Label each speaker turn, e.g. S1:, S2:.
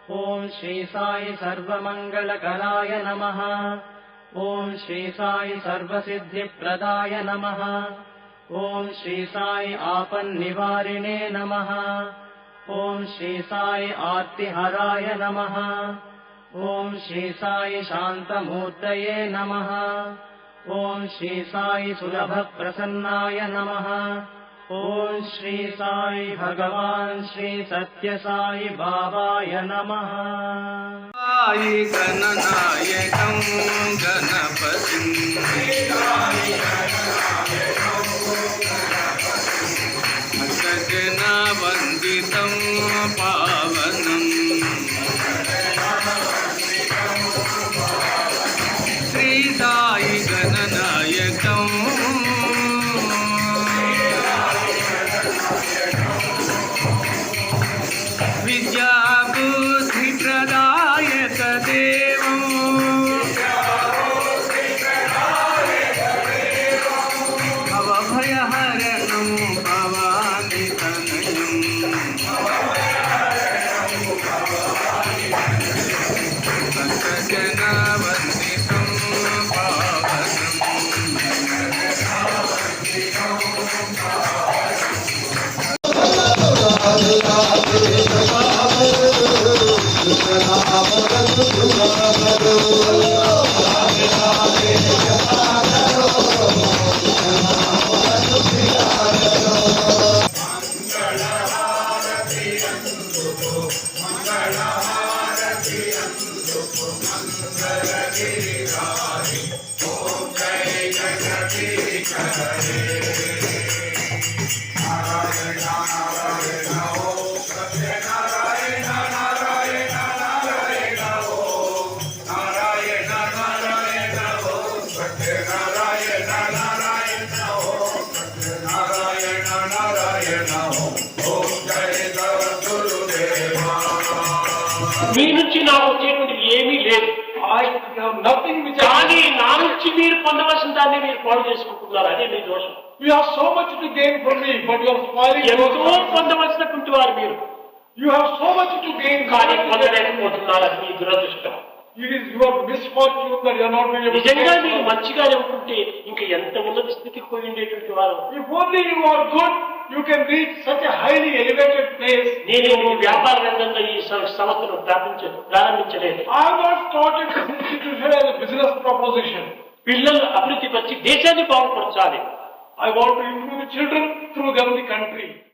S1: ओम श्री साई सर्वमंगलकराय नमः। ओम श्री साई सर्वसिद्धिप्रदाय नमः। ओम श्री साई आपन्निवारिणे नमः। ओम श्री साई आर्तिहराय नमः। ओम श्री साई शांतमूर्तये नमः। ओम श्री साई सुलभप्रसन्नाय नमः। ओम श्री साई भगवान श्री सत्य साई बाबाय नमः।
S2: साई गणनायकं गणपतिं सकगणवन्दितं पावनं श्री साई गणनायकं विद्याबुद्धिप्रदायक देवं भवभयहरणं भवानितनयं सकगणवन्दितं
S3: మీ నుంచి నాకు వచ్చేటువంటి ఏమీ లేదు.
S4: nothing which
S3: కానీ నా నుంచి మీరు పొందవలసిన దాన్ని మీరు పాడు చేసుకుంటున్నారు. అదే మీ దోషం.
S4: you have so much to gain from me, but you are spoiling.
S3: ఎంతో పొందవలసినటువంటి వారు మీరు.
S4: You have so much to gain,
S3: కానీ పొందలేకపోతున్నారు. అది మీ దురదృష్టం.
S4: It is your misfortune that you are not able to.
S3: నిజంగా మీరు మంచిగానే ఉంటుంటే ఇంకా ఎంత ఉన్నత స్థితికి పోయి ఉండేటువంటి వారు.
S4: If only you are good, you can reach such a highly elevated place.
S3: నేను ఈ వ్యాపార రంగంలో ఈ సంస్థను ప్రారంభించలేదు.
S4: I have not started this institution as a business proposition.
S3: పిల్లలు అభివృద్ధి పరిచి దేశాన్ని బాగుపరచాలి.
S4: I want to improve the children through them the country.